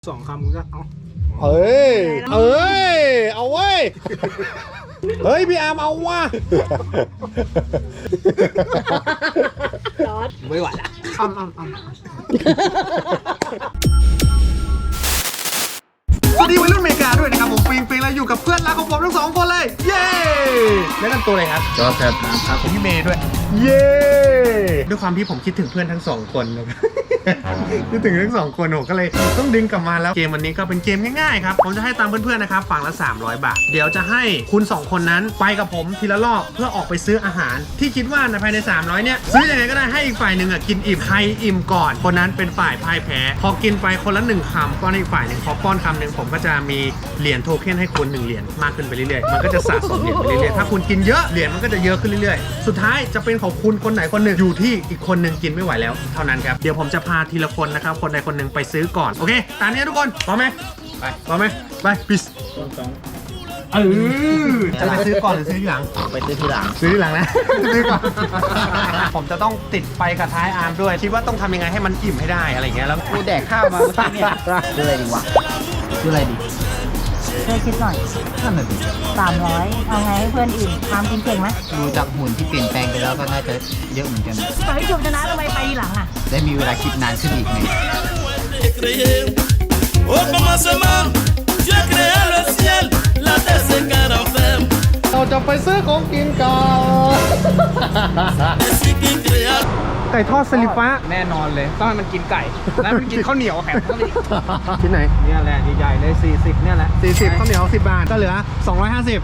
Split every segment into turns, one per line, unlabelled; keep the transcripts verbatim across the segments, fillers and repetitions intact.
สองคำมึงก็เอา
เอ้ยเอ้ยเอาเว้ยเฮ้ยพี่อาร์มเอาว่ะ
ไม่ไหวละอ้ำอ้ำอ้ำสวัสดีวัยรุ่นอเมริกาด้วยนะครับผมปิงปิงแล้วอยู่กับเพื่อนรักของผมทั้งสองคนเลยเย้แนะนำตัวเลยครับจอร์จครับครับผมพี่เมย์ด้วยเย้ด้วยความที่ผมคิดถึงเพื่อนทั้งสองคนนะครับคิดถึงทั้งสองคนผมก็เลยต้องดึงกลับมาแล้วเกมวันนี้ก็เป็นเกมง่ายๆครับผมจะให้ตามเพื่อนๆนะครับฝั่งละสามร้อยบาทเดี๋ยวจะให้คุณสองคนนั้นไปกับผมทีละรอบเพื่อออกไปซื้ออาหารที่คิดว่าในภายในสามร้อยเนี่ยซื้อยังไงก็ได้ให้อีกฝ่ายหนึ่งอ่ะกินอิ่มใครอิ่มก่อนคนนั้นเป็นฝ่ายพ่ายแพ้พอกินไปคนละหนึ่งคำป้อนอีกฝ่ายหนึ่งพอป้อนคำหนึ่งผมก็จะมีเหรียญโทเค็นให้คุณหนึ่งเหรียญมากขึ้นไปเรื่อยๆมันก็จะสะสมเหรียญไปเรื่อยๆถ้าคุณกินเยอะเหรียญมันก็จะเยอะขึ้นเรื่อยๆสุดท้ายจะเป็นของคุณคนไหนคนหนึ่งอยู่ที่อีกคนหนึ่งกินไม่ไหวแล้วเท่านั้นครับเดี๋ยวผมจะพาทีละคนนะครับคนใดคนหนึ่งไปซื้อก่อนโอเคตามนี้ทุกคนพร้อมไหมไปพร้อมไหมไปปิสเออจะไปซื้อก่อนหรือซื้อทีหลัง
ไปซื้อทีหลัง
ซื้อทีหลังนะซื้อก่อนผมจะต้องติดไปกับท้ายอาร์มด้วยคิดว่าต้องทำยังไงให้มันอิ่มให้ได้อะไรเงี้ยแล้ว
กูแดกข้าวมาเมื่อกี้เนี่ยซื้ออะไรดีวะซื้ออะไรดี
ช่วยคิดหน่อย
นั่นแหละดิ
สามร้อยเอาไงให้เพื่อนอิ่มทำกินเก่งไหม
ดูจากหุ่นที่เปลี่ยนแปลงไปแล้วก็น่าจะเยอะเหมือนกัน
ต่อให้จบชนะทำไมไปทีหลังอ่ะ
ได้มีเวลาคิดนานขึ้นอีกไง
เราจะไปซื้อของกินก่อนไก่ทอดสลิฟ้า
แน่นอนเลยต้องให้มันกินไก่แล้วมันกินข้าวเหนียวแข็ง
ที่ไหน
เนี่ยแหละใหญ่ๆเลยสี่สิบเนี่ยแหละสี่สิบข้าวเหนียวสิบบาทก็เหลือสองร้อยห้าสิบ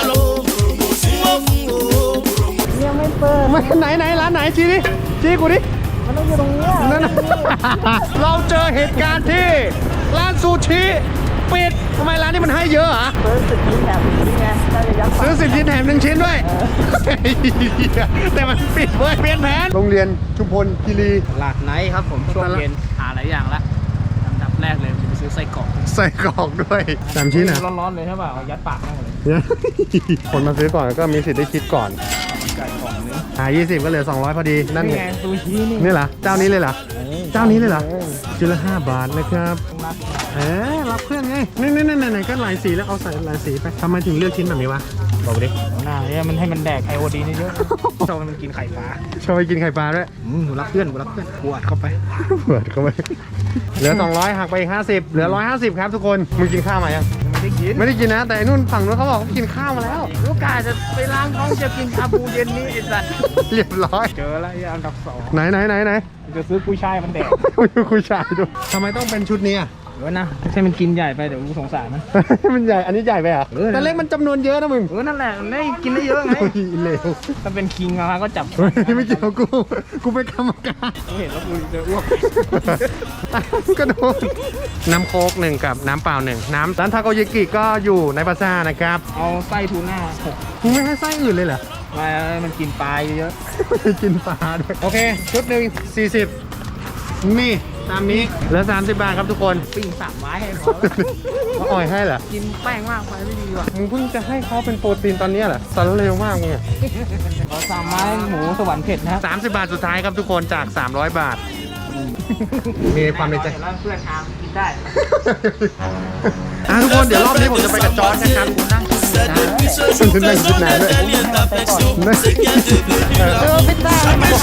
ยังไม่เปิด
มาไหนไหนร้านไหนชี้ดิชี้กูดิ
มันต้องอยู่ตรงนี้
นั่นเราเจอเหตุการณ์ที่ร้านซูชิปิดทำไมร้านนี้มันให้เยอะอ่ะ
เปิดสิบชิ้นแถมชิ้นไงน่าจะยักษ์
ซื้อสิบชิ้นแถมหนึ่งชิ้นด้วยแต่มันปิดเว้ยเปลี่ยนแผนโรงเรียนชุมพลคีรี
หลาดไนท์ครับผมช่วงเย็นหาหลายอย่างละอันดับแรกเลยจะไปซื้อไส้กรอก
ไส้กรอกด้วยสามชิ้นอ่ะ
ร้อนๆเลยใช่ป่ะเอายัดปากแม่เลย
คนมาซื้อก่อนก็มีสิทธิ์ได้คิดก่อน
ไก่ของนึง
หายี่สิบก็เหลือสองร้อยพอดีนั่นไง
ซูชินี่
นี่เหรอเจ้านี้เลยเหรอเจ้านี้เลยเหรอชิ้นละห้าบาทนะครับเอ๊ะรับเพื่อนไงนี่นี่นี่ไหนก็หลายสีแล้วเอาใส่หลายสีไปทำไมถึงเลือกชิ้นแบบนี้วะบอกดิ
หน้าเนี่ยมันให้มันแดกไอโอดีเยอะชอบมันกินไข่ปลา
ชอบไปกินไข่ปลาด้วย
อืมรับเพื่อนกูรับเพื่อนกูอัดเข้าไป
เปิดเข้าไปเหลือสองร้อยหักไปอีกห้าสิบเหลือหนึ่งร้อยห้าสิบครับทุกคนมึงกินข้าวมายัง
ไม่ได้กิน
ไม่ได้กินนะแต่นู่นฝั่งนู้นเขาบอกเขากินข้าวมาแล้ว
ลูกกาจะไปล้างท้องจะกินชาบูเย็นนี้ไอ้สัตว์
เรียบร้อย
เจอแล้วอันดับสอง
ไหนไหนไหนไหน
จะซื้อกุ้ยช่ายมันแดก
กุ้ยช่ายดูทำไมต้องเป็นชุดนี้อ่ะ
เออนะใช่มันกินใหญ่ไปเดี๋ยวกูสงสารมัน
มันใหญ่อันนี้ใหญ่ไปอ่ะแต่เล็กมันจำนวนเยอะนะมึง
เออนั่นแหละได้กินได้เยอะไง
เลว
ถ้าเป็นคิงอะก็จับ
ไม่เกี่ยวกูกูเป็นกรรมการ
กูเห็นแล้วกูจะอ้วก
กระโดดน้ำโค้กหนึ่งกับน้ำเปล่าหนึ่งน้ำร้านทาโกยากิก็อยู่ในปาซ่านะครับ
เอาไส้ทูน่าหก
มึงไม่ให้ไส้อื่นเลยเหรอ
ไม่มันกินปลาเยอะ
กินปลาด้วยโอเคชุดหนึ่งสี่สิบนี่ตามนี้เหลือสามสิบบาทครับทุกคน
ปิ้งสามไม้ให้
เขาอ่อยให้เหรอ
กินแป้งมากไปไม่ดีว่ะ
มึงเพิ่งจะให้เขาเป็นโปรตีนตอนนี้เหรอตอนเร็วมากมึงอ่ะ
เอาสามไม้หมูสวรรค์เผ็ดนะ
สามสิบบาทสุดท้ายครับทุกคนจากสามร้อยบาทมีความในใจ
เพื่อนอาร์มกินได้
อ่ะทุกคนเดี๋ยวรอบนี้ผมจะไปกับจอร์จนะครับคุณนั่งคุณนั่งคิดนานด้วย
เออไม่ได้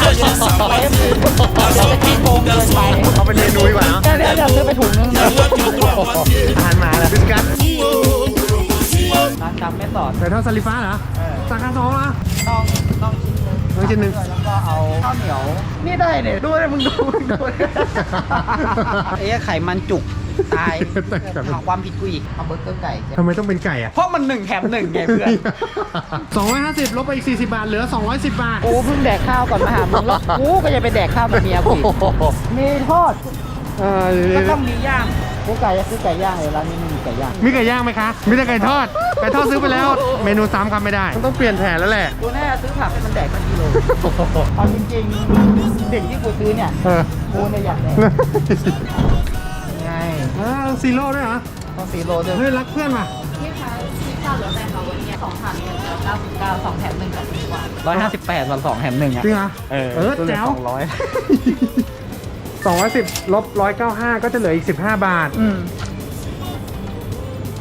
เขาเป็นเมนูดีกว่าเนาะ
เดี๋ยวเดี๋ยวซื้อไปถุงนึง
ทานมาแล้วพิซซ่า
ร้านจำไม่ต่อ
แต่เท่าซาลิฟ้าเหรอสาขาสองเหรอ
ต้องต้องชิ้นนึง
ต้องชิ้นนึง
แล้วก็เอาข้าวเหนียวนี่ได้เนี่ยดูเลยมึงดูดู
ไอ้ไข่มันจุกตายหาความผิดกูอีกเอาเบอร์เกอร์ไก่
ทำไมต้องเป็นไก่อ่ะ
เพราะมันหนึ่งแถมหนึ่งไงเพื่อน
สองร้อยห้าสิบลบไปอีกสี่สิบบาทเหลือสองร้อยสิบบาท
โอ้เพิ่งแดกข้าวก่อนมาหามึงแล้วกูก็จะไปแดกข้าวกับเมียกูมีทอด
ก็ต้องมีย่าง
กูไก่ซื้อไก่ย่างเลยร้านนี้ไม่มีไก่ย่าง
มีไก่ย่างไหมคะมีแต่ไก่ทอดไก่ทอดซื้อไปแล้วเมนูซ้ำคำไม่ได้ต้องเปลี่ยนแผนแล้วแหละ
กูแน่ซื้อผักให้มันแดกกันกิโลเอาจริงๆเด็กที่กูซื้อเนี่ยกูเนี่ยอยากแดก
ไงอ้าวซีโร่ด้วยเหรอ
ต้องซีโร่ด้วย
เฮ้ยรักเพื่อนว่ะ
พี่คะพี่ข้าวเหลือแต่เขาวันนี้สองถาดเนี่ยเหลือเก้าสิบเก้าสองแถมหนึ่งกับดีกว่า
ร้อยห้าสิบแปดส่วนสองแถมหนึ่งอ่ะ
จริงเหรอ
เออ
เออแจ๋ว
สองร้อย
สองร้อยสิบลบร้อยเก้าห้าก็จะเหลืออีกสิบห้าบาท
อืม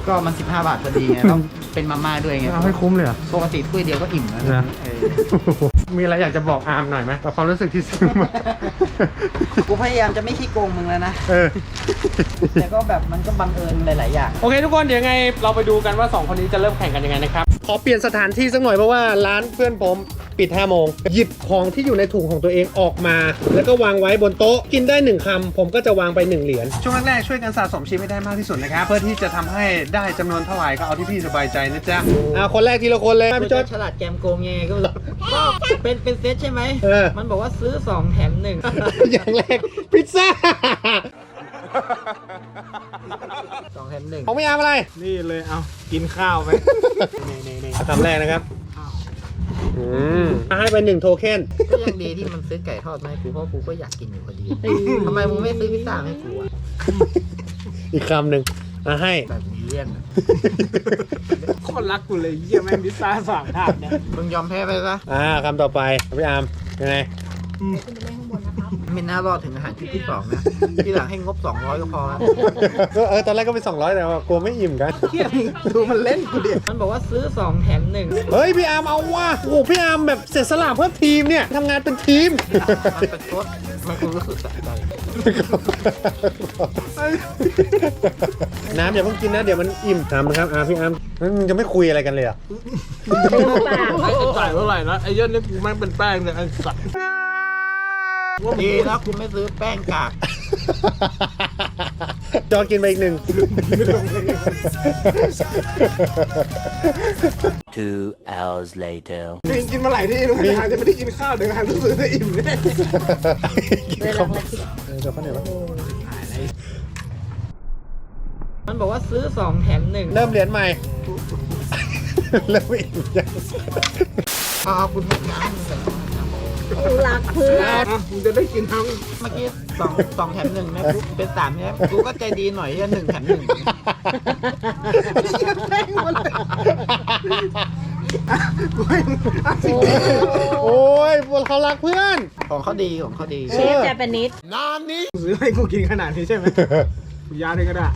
ก็มันสิบห้าบาทพอดีไงต้องเป็นมาม่าด้วยไง
เอาให้คุ้มเลยเหรอ
ปกติถ้วยเดียวก็อิ่มแล้ว
นะ
เออ
มีอะไรอยากจะบอกอาร์มหน่อยไหมกับความรู้สึกที่ซื้อมา
กูพยายามจะไม่ขี้โกงมึงแล้วนะ
เออ
แต่ก็แบบมันก็บังเอิญหลาย ๆ อย่าง
โอเคทุกคนเดี๋ยวยังไงเราไปดูกันว่าสองคนนี้จะเริ่มแข่งกันยังไงนะครับ ขอเปลี่ยนสถานที่สักหน่อยเพราะว่าร้านเพื่อนผมปิดห้าโมงหยิบของที่อยู่ในถุงของตัวเองออกมา แล้วก็วางไว้บนโต๊ะกินได้หนึ่งคำผมก็จะวางไปหนึ่งเหรียญช่วงแรกๆช่วยกันสะสมชิ้นให้ได้มากที่สุดนะครับเพื่อที่จะทำให้ได้จำนวนเท่าไหร่ก็เอาที่พี่สบายใจนะจ๊ะอ่าคนแรกทีละคนเลย
กู
พี่จอ
จะ
ด
ฉลาดแกมโกงยังไงก็ไม่รู้ก็เป็นเป็นเซตใช่ไหม
เออ
มันบอกว่าซื้อสองแถมหนึ่ง
อย่างแรกพิซซ่า
สองแถมหนึ่ง
ของพี่อาร์มอะไร
นี่เลยเอากินข้าวไปนี่นี่
คำแรกนะครับอืมให้ไปหนึ่งโทเค็น
ก็ยังดีที่มันซื้อไก่ทอดมาให้กูเพราะกูก็อยากกินอยู่พอดีทำไมมึงไม่ซื้อพิซซ่าให้กูอ่ะ
อีกคำหนึ่งอ่ะให้
แบบนี้เลี่ยนอะ
โคนรักกูเลยเยี่ยแม่งพิซซ่าสามถาดเนี่ย
มึงยอมแพ้ไปซะ
อ่าคำต่อไปพี่อาร์มยังไง
ไม่น่ารอดถึงอาหารชุดที่สองนะ ที่หลังให้งบสองร้อยก็พอแล้ว
ก็เออตอนแรกก็เป็นสองร้อยแต่ว่ากลัวไม่อิ่มกัน
ดูมันเล่นกูดิมันบอกว่าซื้อสองแถมหนึ่ง
เฮ้ยพี่อาร์มเอาว่ะโอ้โหพี่อาร์มแบบเสียสละเพื่อทีมเนี่ยทำงานเป็นทีม
มันเป็นโคตรมันกูรู้สึกสะใจ
น้ำอย่าเพิ่งกินนะเดี๋ยวมันอิ่มทำนะครับอ่าพี่อาร์มงั้นมึงจะไม่คุยอะไรกันเลยเหรอ่ะ
ไอ้จ่ายเท่าไหร่นะไอ้เยี่ยนี่กูแม่งเป็นแป้งเนี่ยไอ้สัตว์
ดีนะกูไม่ซื้อแป้งกาก
จอกินไปอีกหนึ่ง
Two hours later.
กินกินมาหลายที่แล้วแต่หาจะไม่ได้กินข้าวเดี๋ยวหาซื้อได้อิ่มเนี่ย
เออเดี๋ยวเขาเนี่ย
มันบอกว่าซื้อสองแถมหนึ่ง
เริ่มเหรียญใหม่ เริ่มอิ่มยัง
เอาเอาคุณพกน้ำมึงใส่
รักเพื่อน
มึงจะได้กินทั้ง
เมื่อกี้สองสองแถมหนึ่งนะกูเป็นสามใช่ไหมกูก็ใจดีหน่อยจะหนึ่งแถมหนึ่ง
โอ้ยพวกเขารักเพื่อน
ของเขาดีของเขาดี
เชฟแจแปนิด
ซื้อให้กูกินขนาดนี้ใช่ไหมกูยาเลยก็ได้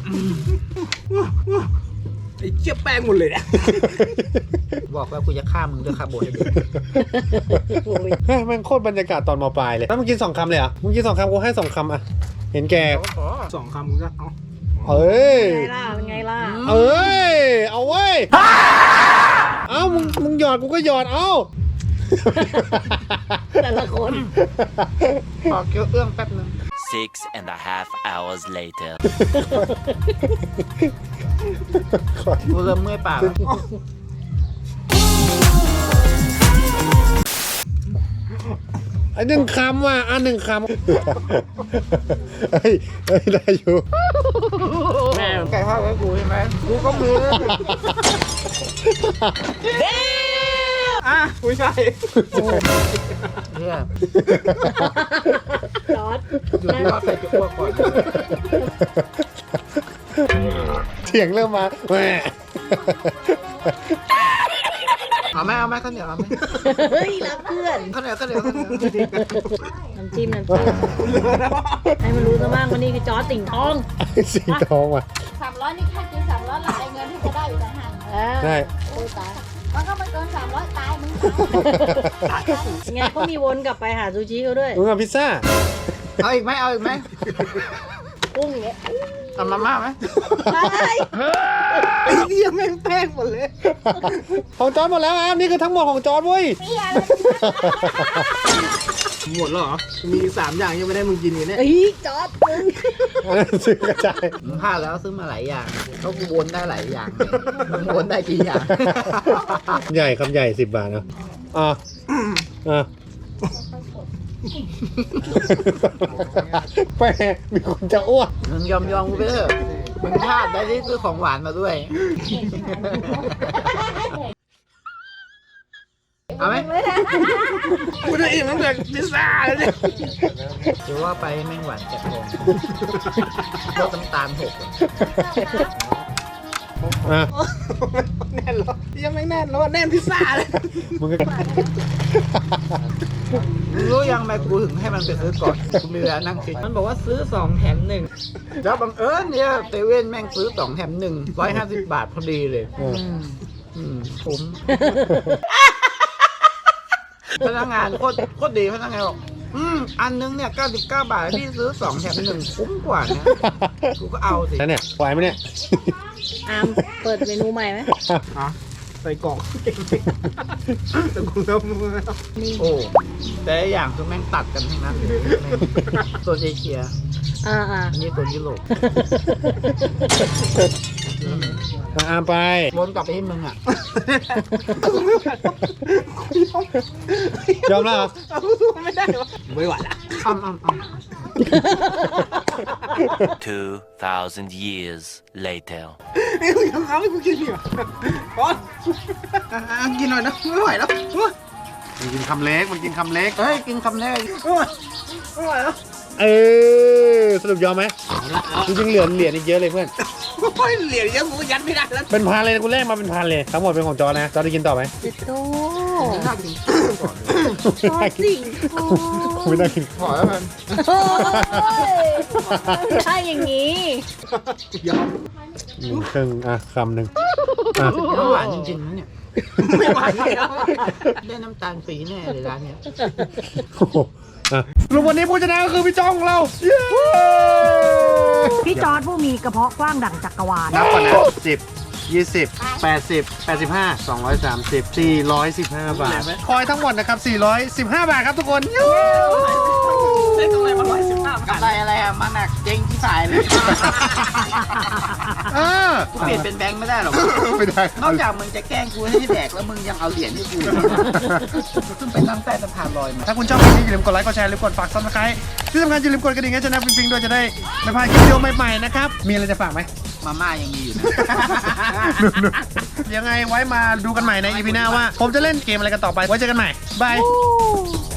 ไอ้เจี๊ยบแป้งหมดเลยเนี่ย
บอกว่ากูจะฆ่ามึงด้วยคาร์โบไฮเดรต
เฮ้ยมันโคตรบรรยากาศตอนมปลายเลยแล้วมึงกินสองคำเลยเหรอมึงกินสองคำกูให้สองคำอ่ะเห็นแก
สองคำมึงก็เอา
เอ้ย
ไงล่ะเป็นไงล่ะ
เอ้ยเอาเว้ยเอ้ามึงมึงหยอดกูก็หยอดเอ้า
แต่ละคน
ขอเคี้ยวเอื้องแป๊บนึง
Six and a half hours later.
กูเริ่มเมื่อยปากแล้ว
ไอ้หนึ่งคำว่ะอ่ะหนึ่งคำเฮ้ยเฮ้ยได้อยู่
แม่
ไก่ทอดไว้กูใช่ไหมกูก็มือ
อ่ะกูใช่
เนี่ย
จอด
อยู่ที่ว่าใส่จะอ้วกก่อน
เสียงเริ่มมาแหม
เอาไหมเอาไหมข้าวเหนียวเอาไหม
เฮ้ยรักเพื่อน
ข้าวเหนียวข้าวเหนียวข้าวเหนียว
น้ำจิ้มน้ำจิ้มให้มันรู้ซะบ้างว่านี่คือจอร์จติ่งทอง
สิงทองว่ะ
สามร้อยนี่ค่ากินสามร้อยหลายเงินที่จะได้อยู่ต่างหาก
เออ
ได้
โอ้ยตายมันก็ไม่เกินสามร้อยตายมึงตาย
ไงก็มีวนกลับไปหาซูชิเขาด้วย
มึงเอาพิซซ่า
เอาอีกไหมเอาอีกไหม
กุ้งเนี้ย
เอามาม่าไหม
ไป
ไอ้เหี้ยแม่งแป้งหมดเลย
ของจอร์ดหมดแล้วอ่ะนี่คือทั้งหมดของจอร์ดเว้ย
เปี้ยเลย
หมดแล้วเหรอมีอีกสามอย่างยังไม่ได้มึงกินอยู่เนี่ย
เฮ้ยจอร์จมึง
อันนั้นซื้อกระจาย
มึงพลาดแล้วซื้อมาหลายอย่างก็กูวนได้หลายอย่างมึงวนได้กี่อย่าง
ใหญ่คำใหญ่สิบบาทนะอ่ะอ่ะแปมีคนจะอ้วก
มึงยอมยอมกูไปเถอะมึงพลาดได้ที่ซื้อของหวานมาด้วย เอาไหม
กูจะอิ่มตั้งแต่พิซซ่าแล้วเนี่ย
หรือว่าไปแม่งหวานจัดเลยลดน้ำตาลหกอะ
อ่ะ
แน่นแล้วยังไม่แน่นแล้วแน่นพิซซ่าเลย
มึงก็
รู้ยังแม่กูถึงให้มันไปซื้อก่อนกูมีเวลานั่งคิดมันบอกว่าซื้อสองแถมหนึ่งแล้วบังเอิญเนี่ยเซเว่นแม่งซื้อสองแถมหนึ่งร้อยห้าสิบบาทพอดีเลย
เออ
อืมผมพนักงานโคตรโคตรดีพนักงานบอกอืมอันนึงเนี่ยเก้าสิบเก้าบาทพี่ซื้อสองแถมหนึ่งคุ้มกว่านะกูก็เอาสิ
แล้วเนี่ยไหวไหมเนี่ย
อามเปิดเมนูใหม่ไหม
ใส่กล่องแต่กูเริ่มมือโอ้แต่ละอย่างคือแม่งตัดกันทั้งนั้นเลยแม่งโซนเอเชีย
อ่าอ่า
อันนี้โซนยุโรป
มาอามไป
วนกลับไปที่มึงอ่ะ
ยอมแล้วเหรอ
ไม่ไหวละอ้ำอ้ำอ้ำ
Two thousand years later.
ยังเอาให้กูกินอีกเหรอพอกินหน่อยนะไม่ไหวแล้ว
มันกินคำเล็ก มันกินคำเล็ก
เฮ้ยกินคำแรกไม่ไหวแล้ว
เออสรุปยอมไหมจริงๆเหลือเหรียญอีกเยอะเลยเพื่อน
โอ้ยเหรียญเยอะกูยัดไม่ได้แล้ว
เป็นพันเลยนะกูแลกมาเป็นพันเลย ทั้งหมดเป็นของจอนะ จอได้กินต่อไหม
จิตโต
น่ากินก่อน
ชอบจริงโอ้
กูไม่ได้กิน
พอแล้วมัน
ยถ้าอย่างนี้
ยอม
หนึ่งครึ่งอ่ะคำหนึ่งอ่ะ
น้ำหวานจริงๆนะเนี่ยไม่ไหวแล้วได้น้ำตาลฟรีแน่เลยร้านเนี้ย
โอ้โหอ่ะสรุปวันนี้ผู้ชนะก็คือพี่จ้องของเราเย้
พี่จอร์ดผู้มีกระเพาะกว้างดั่งจักรวาล
นับก่อนนะสิบยี่สิบแปดสิบแปดสิบห้าสองร้อยสามสิบสี่ร้อยสิบห้าบาทคอยทั้งหมดนะครับสี่ร้อยสิบห้าบาทครับทุกคน
ได้กำไรมาร้อยสิบห้ากำไรอะไรอ่ะมาหนักเจ๊งที่สายเลย
เออ
กูเปลี่ยนเป็นแบงค์ไม่ได้หรอก
ไม่ได้
นอกจากมึงจะแกล้งกูให้แดกแล้วมึงยังเอาเหรียญให้กูซึ่งไปนั่งใต้สะพานลอยมา
ถ้าคุณชอบคลิปนี้อย่าลืมกดไลค์กดแชร์หรือกดฝากซับสไครต์ที่สำคัญอย่าลืมกดกระดิ่งให้ชนะปิงปิงด้วยจะได้ไม่พลาดคลิปวิดีโอใหม่ๆนะครับมีอะไรจะฝากไหม
มาม่ายังมีอยู่นะ
ยังไงไว้มาดูกันใหม่ในอีพีหน้าว่า ผมจะเล่นเกมอะไรกันต่อไป ไว้เจอกันใหม่ บาย